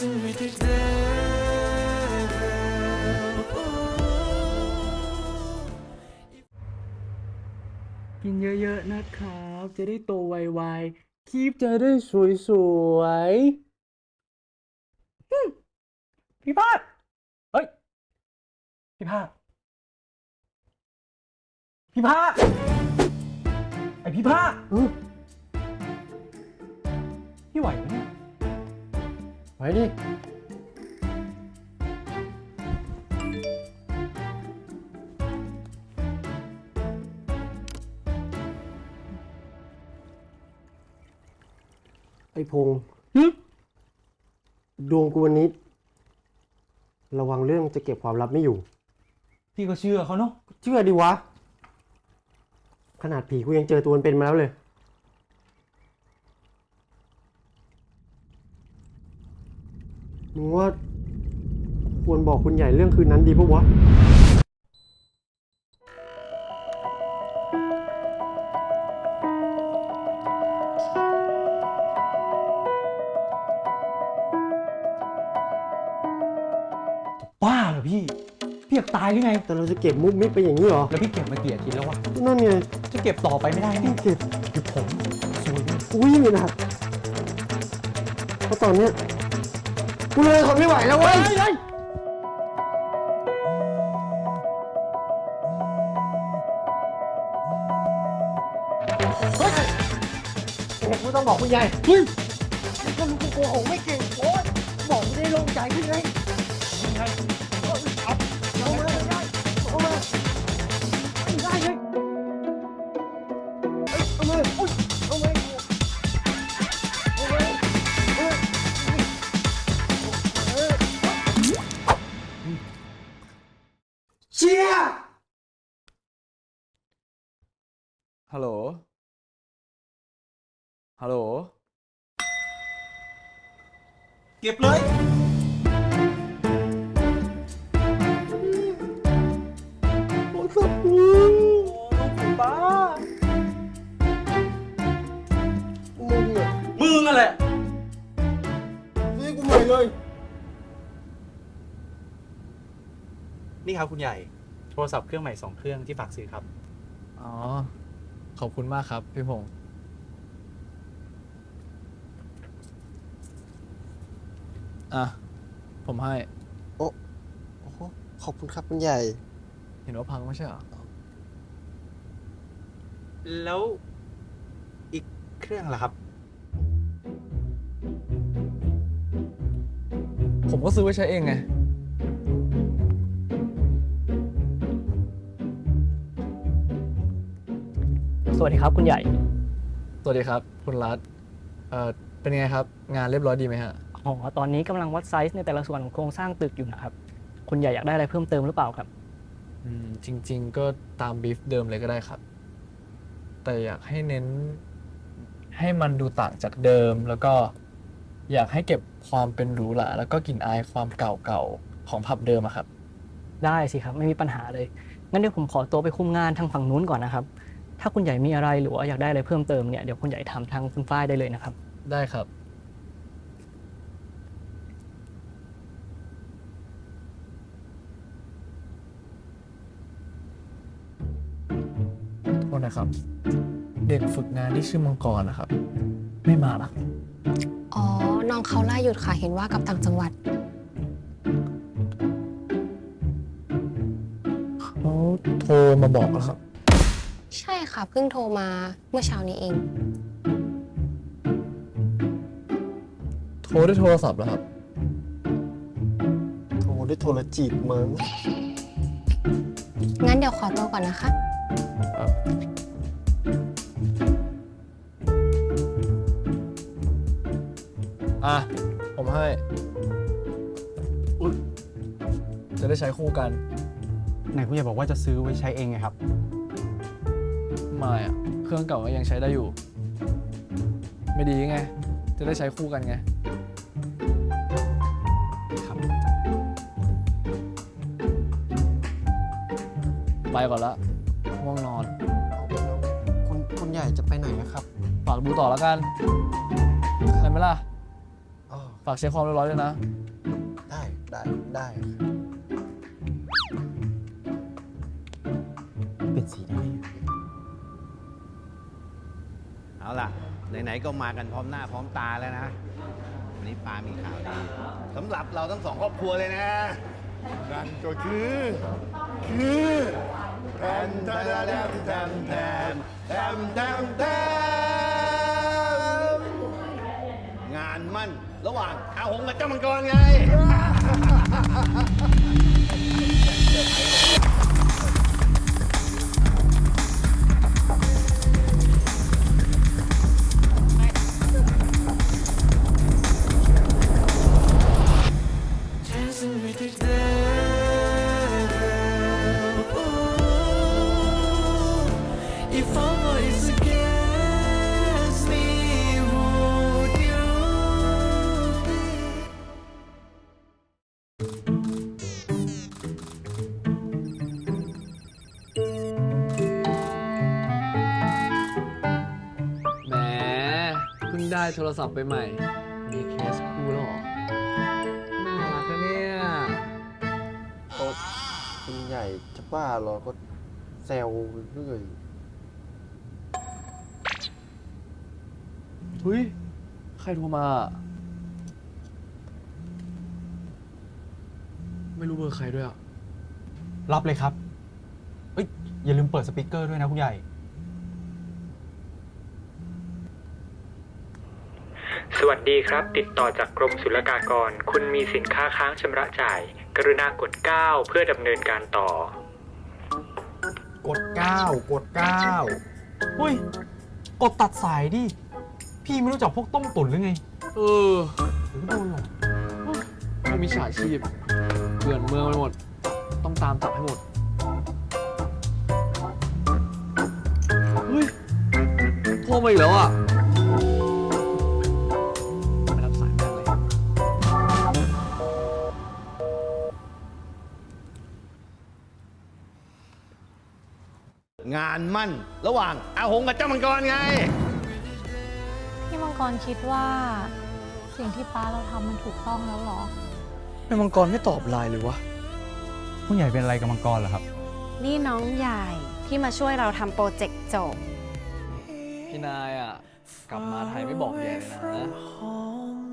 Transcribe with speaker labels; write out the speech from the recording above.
Speaker 1: ฉันมีแต่เธอกินเยอะๆนะครับ จะได้โตไวๆคลิปจะได้สวยๆพี่พาดเฮ้ย พี่พาดพี่พาดไอพี่พาดพี่ไหวไหมเนี่ยไหวดิ
Speaker 2: ไอ้พงษ์ดวงกูวันนี้ ระวังเรื่องจะเก็บความลับไม่อยู่
Speaker 1: พี่ก็เชื่อเขาเนาะ
Speaker 2: เชื่อดิวะ ขนาดผีกูยังเจอตัวมันเป็นมาแล้วเลย มึงว่า ควรบอกคุณใหญ่เรื่องคืนนั้นดีปะวะ
Speaker 1: บ้าเหรอพี่อยากตายหรือไง
Speaker 2: แต่เราจะเก็บมุกมิกไปอย่างนี้เหรอ
Speaker 1: แล้วพี่เก็บมากี่อาทิตย์แล้ววะ
Speaker 2: นั่นไง
Speaker 1: จะเก็บต่อไปไม่ได้
Speaker 2: พี่
Speaker 1: เนี่ย
Speaker 2: เก็บ
Speaker 1: คือผมซวยด้วย
Speaker 2: กูยิ่งหนักเพราะตอนเนี้ยกูเลยทนไม่ไหวแล้วเว้ย กูต้องบอกคุณใหญ่เฮ้ยก็รู้กูโกหกไม่เก่งโอ๊ยบอกไม่ได้โล่งใจขึ้นไงเอามาไม่ได้เอามาไม่ได้เลยเอามาอุ๊ยเอามาเอามาเชี่ย
Speaker 3: ฮัลโหล ฮัลโหล
Speaker 1: เก็บเลย
Speaker 2: โอ้ยสับกู
Speaker 1: บ้า
Speaker 2: มึงอ่ะ
Speaker 1: มึงอะแหละ
Speaker 2: ซื้อกูใหม่เลย
Speaker 1: นี่ครับคุณใหญ่ โทรศัพท์เครื่องใหม่2 เครื่องที่ฝากซื้อครับ
Speaker 3: อ๋อ ขอบคุณมากครับพี่พงษ์อ่ะ ผมให้
Speaker 2: โอ้โหขอบคุณครับคุณใหญ่
Speaker 3: เห็นว่าพังไม่ใช่เหรอ
Speaker 1: แล้วอีกเครื่องล่ะครับ
Speaker 3: ผมก็ซื้อไว้ใช้เองไง
Speaker 4: สวัสดีครับคุณใหญ่
Speaker 3: สวัสดีครับ คุณรัฐเป็นไงครับ งานเรียบร้อยดีไหมฮะ
Speaker 4: อ๋อ ตอนนี้กำลังวัดไซส์ในแต่ละส่วนของโครงสร้างตึกอยู่นะครับ คุณใหญ่อยากได้อะไรเพิ่มเติมหรือเปล่าครับ
Speaker 3: จริง ๆ ก็ตามบีฟเดิมเลยก็ได้ครับ แต่อยากให้เน้นให้มันดูต่างจากเดิม แล้วก็อยากให้เก็บความเป็นหรูหราแล้วก็กลิ่นอายความเก่าๆของผับเดิมอะครับ
Speaker 4: ได้สิครับ ไม่มีปัญหาเลย งั้นเดี๋ยวผมขอตัวไปคุมงานทางฝั่งนู้นก่อนนะครับ ถ้าคุณใหญ่มีอะไรหรือว่าอยากได้อะไรเพิ่มเติมเนี่ย เดี๋ยวคุณใหญ่ถามทางคุณฝ้ายได้เลยนะครับ
Speaker 3: ได้ครับ โทษนะครับ เด็กฝึกงานที่ชื่อมังกรนะครับ ไม่มาหรอ
Speaker 5: อ๋อ น้องเขาล่าหยุดค่ะ เห็นว่ากลับต่างจังหวัด
Speaker 3: เขาโทรมาบอกแล้วครับ
Speaker 5: ใช่ค่ะ เพิ่งโทรมาเมื่อเช้านี้เอง
Speaker 3: โทรด้วยโทรศัพท์แล้วครับ
Speaker 2: โทรด้วยโทรจีบมึง
Speaker 5: งั้นเดี๋ยวขอตัวก่อนนะคะ
Speaker 3: อ่ะ ผมให้จะได้ใช้คู่กัน
Speaker 1: ไหนคุณใหญ่บอกว่าจะซื้อไว้ใช้เองไงครับ
Speaker 3: ไม่อะเครื่องเก่าก็ยังใช้ได้อยู่ ไม่ดีไง จะได้ใช้คู่กันไง
Speaker 1: ครับ
Speaker 3: ไปก่อนละง่วงนอน
Speaker 2: คุณใหญ่จะไปไหนนะครับ
Speaker 3: ฝากดูต่อแล้วกันได้ไหมล่ะ
Speaker 2: อ๋อ
Speaker 3: ฝากเช็คความเรียบร้อยด้วยนะ
Speaker 2: ได้
Speaker 6: เป็นสีได้
Speaker 7: เอาล่ะ ไหนๆก็มากันพร้อมหน้าพร้อมตาแล้วนะวันนี้ปามีข่าวดีสำหรับเราทั้งสองครอบครัวเลยนะ นั่นก็คือแทนแทนแทนแทนแทนแทนแทนงานมั่นระหว่างอาหงกับเจ้ามังกรไง
Speaker 8: If all is against me, would you be?
Speaker 3: แหมเพิ่งได้โทรศัพท์ไปใหม่ มีเคสคู่แล้วเหรอ น่ารักนะเนี่ย
Speaker 6: คุณใหญ่จะบ้าเหรอ ก็แซวเรื่อย
Speaker 3: เฮ้ย ใครโทรมา ไม่รู้เบอร์ใครด้วยอ่ะ
Speaker 9: รับเลยครับ เอ้ย อย่าลืมเปิดสปีกเกอร์ด้วยนะคุณใหญ่
Speaker 10: สวัสดีครับ ติดต่อจากกรมศุลกากร คุณมีสินค้าค้างชำระจ่าย กรุณากด 9 เพื่อดำเนินการต่อ
Speaker 9: กด 9 กด 9 อุ้ย กดตัดสายดิ พี่ไม่รู้จักพวกต้มตุ๋นหรือไง
Speaker 3: เออ
Speaker 9: หรือโดนหรอก
Speaker 3: พวกมิจฉาชีพเกลื่อนเมืองไปหมด ต้องตามจับให้หมด เฮ้ย โทรมาอีกแล้วอ่ะ ไม่รับสายแม่งเลย
Speaker 7: งานมั่นระหว่างอาหงกับเจ้ามังกรไง
Speaker 5: พี่มังกรคิดว่าสิ่งที่ป้าเราทำมันถูกต้องแล้วเหรอ
Speaker 3: แม่มังกรไม่ตอบไลน์เลยวะ
Speaker 9: คุณใหญ่เป็นอะไรกับมังกรเหรอครับ
Speaker 11: นี่น้องใหญ่ที่มาช่วยเราทำโปรเจกต์จบ
Speaker 3: พี่นายอ่ะ กลับมาไทยไม่บอกแย่เลยนะ
Speaker 8: home